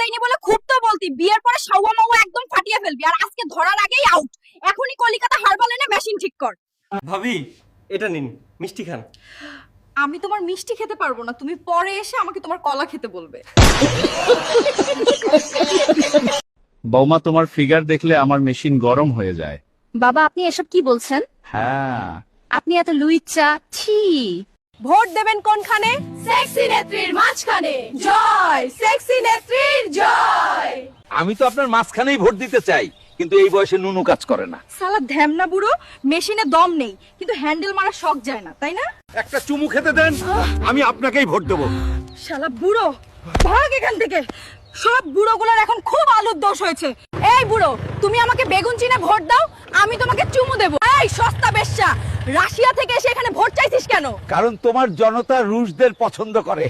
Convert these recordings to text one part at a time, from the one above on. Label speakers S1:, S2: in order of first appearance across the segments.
S1: দেয়নি বলে খুব তো বলতি, বিয়ের পরে সাওয়া মাওয়া একদম ফাটিয়ে ফেলবি, আর আজকে ধরার আগেই আউট। এখনই কলিকাতা হারবাল এনে মেশিন ঠিক কর।
S2: ভাবি এটা নিন, মিষ্টি খান।
S1: আমি তোমার মিষ্টি খেতে পারবো না, তুমি পরে এসে আমাকে তোমার কলা খেতে বলবে।
S3: বৌমা, তোমার ফিগার দেখলে আমার মেশিন গরম হয়ে যায়।
S4: বাবা, আপনি এসব কি বলছেন?
S3: হ্যাঁ,
S4: আপনি এত লুইচ্চা, ছি।
S1: ভোট দেবেন কোনখানে? সেক্সি নেত্রীর মাঝখানে। জয় সেক্সি নেত্রীর জয়।
S5: আমি তো আপনার মাঝখানেই ভোট দিতে চাই, কিন্তু এই বয়সে নুনু কাজ করে না।
S1: শালা ধ্যামনা বুড়ো, মেশিনে দম নেই কিন্তু হ্যান্ডেল মারা শখ যায় না, তাই না?
S5: একটা চুমু খেতে দেন, আমি আপনাকেই ভোট দেবো।
S1: শালা বুড়ো, ভাগ এখান থেকে। সব বুড়োগুলোর এখন খুব আলুর দোষ হয়েছে। এই বুড়ো, তুমি আমাকে বেগুন চিনে ভোট দাও, আমি তোমাকে চুমু দেবো। এই সস্তা বেশ্যা, রাশিয়া থেকে এসে এখানে ভোট চাইছিস কেন?
S5: কারণ তোমার জনতা রুশদের পছন্দ করে।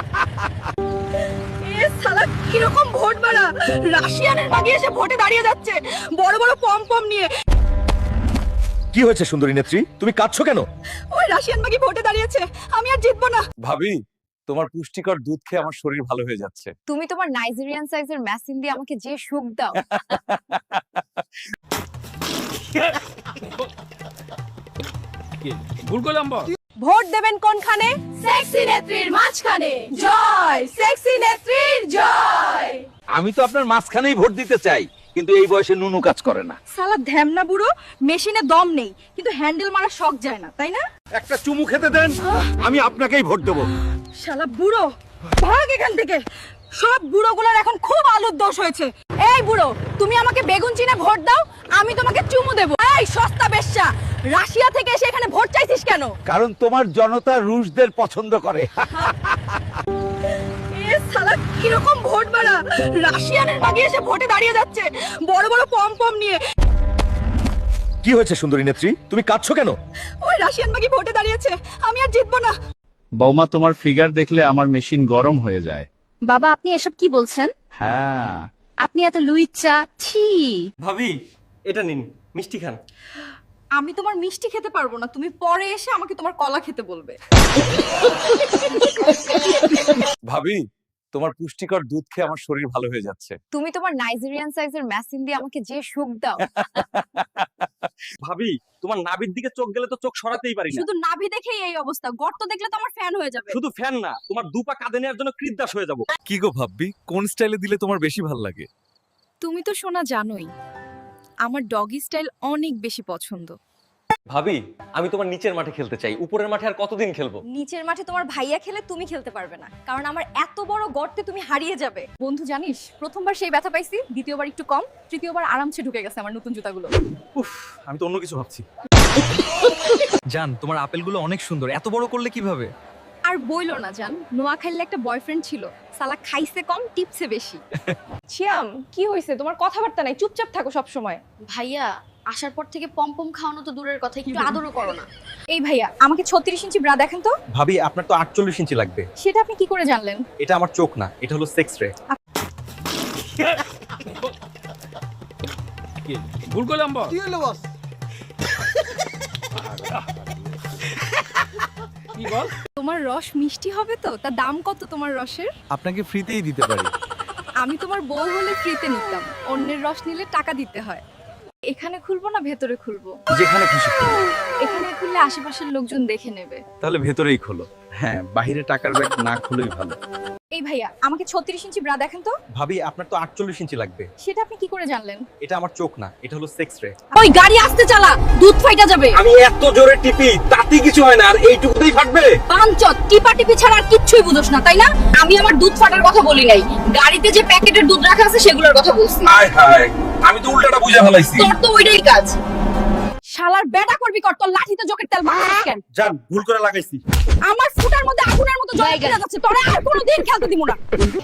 S1: এ শালা কিরকম ভোট বাড়া, রাশিয়ানের মাগি এসে ভোটে দাঁড়িয়ে যাচ্ছে বড় বড় পম পম নিয়ে।
S6: কি হয়েছে সুন্দরী নেত্রী, তুমি কাঁদছো কেন?
S1: ওই রাশিয়ান মাগি ভোটে দাঁড়িয়েছে, আমি আর জিতবো না।
S2: ভাবি তোমার পুষ্টিকর দুধ খেয়ে আমার শরীর ভালো হয়ে যাচ্ছে।
S4: তুমি তোমার নাইজেরিয়ান সাইজের মেশিন দিয়ে আমাকে যে সুখ দাও।
S1: ভোট দেবেন কোনখানে? সেক্সি নেত্রীর মাঝখানে। জয় সেক্সি নেত্রীর জয়।
S5: আমি তো আপনার মাঝখানেই ভোট দিতে চাই, কিন্তু এই বয়সে নুনু কাজ করে না।
S1: শালা ধ্যামনা বুড়ো, মেশিনে দম নেই কিন্তু হ্যান্ডেল মারা শখ যায় না, তাই না?
S5: একটা চুমু খেতে দেন, আমি আপনাকেই ভোট দেবো।
S1: শালা বুড়ো, ভাগ এখান থেকে। সব বুড়োগুলোর এখন খুব আলুর দোষ হয়েছে। এই বুড়ো, তুমি আমাকে বেগুন চিনে ভোট দাও, আমি তোমাকে চুমু দেবো। এই সস্তা বেশ্যা, রাশিয়া থেকে এসে এখানে ভোট চাইছিস কেন?
S5: কারণ তোমার জনতা রুশদের পছন্দ করে।
S1: এ শালা কিরকম ভোট বাড়া, রাশিয়ানের মাগি এসে ভোটে দাঁড়িয়ে যাচ্ছে বড় বড় পম পম নিয়ে।
S6: কি হয়েছে সুন্দরী নেত্রী, তুমি কাঁদছো কেন?
S1: ওই রাশিয়ান মাগি ভোটে দাঁড়িয়েছে, আমি আর জিতবো না।
S3: বৌমা, তোমার ফিগার দেখলে আমার মেশিন গরম হয়ে যায়।
S4: বাবা, আপনি এসব কি বলছেন?
S3: হ্যাঁ,
S4: আপনি এত লুইচ্চা, ছি।
S2: ভাবি এটা নিন, মিষ্টি খান।
S1: আমি তোমার মিষ্টি খেতে পারবো না, তুমি পরে এসে আমাকে তোমার কলা খেতে বলবে।
S2: ভাবি তোমার পুষ্টিকর দুধ খেয়ে আমার শরীর ভালো হয়ে যাচ্ছে।
S4: তুমি তোমার নাইজেরিয়ান সাইজের মেশিন দিয়ে আমাকে যে সুখ দাও।
S2: ভাবি তোমার নাভির দিকে চোখ গেলে তো চোখ সরাতেই পারি না।
S1: শুধু নাভি দেখেই এই অবস্থা, গর্ত দেখলে তো আমার ফ্যান হয়ে যাবে।
S2: শুধু ফ্যান না, তোমার দুপা কাঁধে নেওয়ার জন্য কৃতদাস হয়ে যাব।
S7: কি গো ভাববি, কোন স্টাইলে দিলে তোমার বেশি ভালো লাগে?
S1: তুমি তো শোনা জানোই, আমার ডগি স্টাইল অনেক বেশি পছন্দ।
S2: ভাবি আমি তোমার নিচের মাঠে খেলতে চাই, উপরের মাঠে আর কতদিন খেলবো?
S1: নিচের মাঠে তোমার ভাইয়া খেলে তুমি খেলতে পারবে না, কারণ আমার এত বড় গর্তে তুমি হারিয়ে যাবে। বন্ধু জানিস, প্রথমবার সেই ব্যথা পাইছি, দ্বিতীয়বার একটু কম, তৃতীয়বার আরামসে ঢুকে গেছে আমার নতুন জুতাগুলো।
S2: উফ, আমি তো অন্য কিছু ভাবছি।
S7: জান, তোমার আপেলগুলো অনেক সুন্দর, এত বড় করলে কিভাবে?
S1: আর বইলো না জান, নোয়াখালীর একটা বয়ফ্রেন্ড ছিল, সালা খাইছে কম টিপসে বেশি। ছিয়াম, কি হইছে? তোমার কথাবার্তা নাই, চুপচাপ থাকো সব সময়।
S8: ভাইয়া আসার পর থেকে পমপম খাওয়ানো তো দূরের কথা, একটু আদরও করো না।
S1: এই ভাইয়া, আমাকে 36 ইঞ্চি ব্রা দেখেন তো।
S2: ভাবি আপনার তো 48 ইঞ্চি লাগবে।
S1: সেটা আপনি কি করে জানলেন?
S2: এটা আমার চোখ না, এটা হলো সেক্স রে।
S7: ভুল করলাম বস। কি বল?
S1: তোমার রস মিষ্টি হবে তো? তা দাম কত তোমার রসের?
S7: আপনাকে ফ্রিতেই দিতে পারি।
S1: আমি তোমার বউ হলে ফ্রিতে নিতাম, অন্যের রস নিলে টাকা দিতে হয়। এখানে খুলবো না ভেতরে খুলবো?
S2: যেখানে খুশি।
S1: এখানে খুললে আশেপাশের লোকজন দেখে নেবে।
S2: তাহলে ভেতরেই খোলো।
S7: হ্যাঁ, বাইরে টাকার ব্যাগ না খুলেই ভালো।
S1: এই ভাইয়া, আমাকে 36 ইঞ্চি ব্রা দেখেন তো।
S2: ভাবি আপনার তো 48 ইঞ্চি লাগবে।
S1: সেটা আপনি কি করে জানলেন?
S2: এটা আমার চোখ না, এটা হলো সেক্স রে।
S1: ওই গাড়ি আস্তে চালা, দুধ ফাইটা যাবে।
S5: আমি এত জোরে টিপি, তাতে কিছু হয় না, আর এইটুকুতেই ফাটবে।
S1: পাঞ্চত টিপা টিপি ছাড়া আর কিচ্ছুই বুঝোস না, তাই না? আমি আমার দুধ ফাটার কথা বলি নাই, গাড়িতে যে প্যাকেটের দুধ রাখা আছে সেগুলোর কথা বলছি।
S5: হায় হায়, আমি তো উল্টাটা বুঝে ফেলাইছি।
S1: তোর তো ওইটাই কাজ। শালার বেটা করবি কর, তোর লাঠিতে জোকের তেল মাখিস কেন?
S2: জান ভুল করে লাগাইছি।
S1: আমার ফুটার মধ্যে আগুনের মতো জল গেলে যাচ্ছে, তোরে আর কোনোদিন খেলতে দিব না।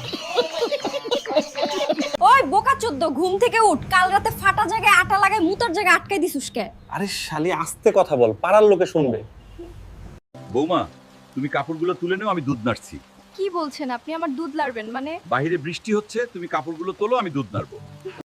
S1: ওই বোকাচোদ্দ, ঘুম থেকে উঠ, কাল রাতে ফাটা জায়গায় আটা লাগায় মুতার জায়গায় আটকাই দিছিস কে?
S2: আরে শালি আস্তে কথা বল, পাড়ার লোকে শুনবে।
S5: বৌমা, তুমি কাপড়গুলো তুলে নাও, আমি দুধ নাড়ছি।
S1: কি বলছেন আপনি? আমার দুধ লাড়বেন মানে?
S5: বাইরে বৃষ্টি হচ্ছে, তুমি কাপড়গুলো তোলো, আমি দুধ নাড়বো।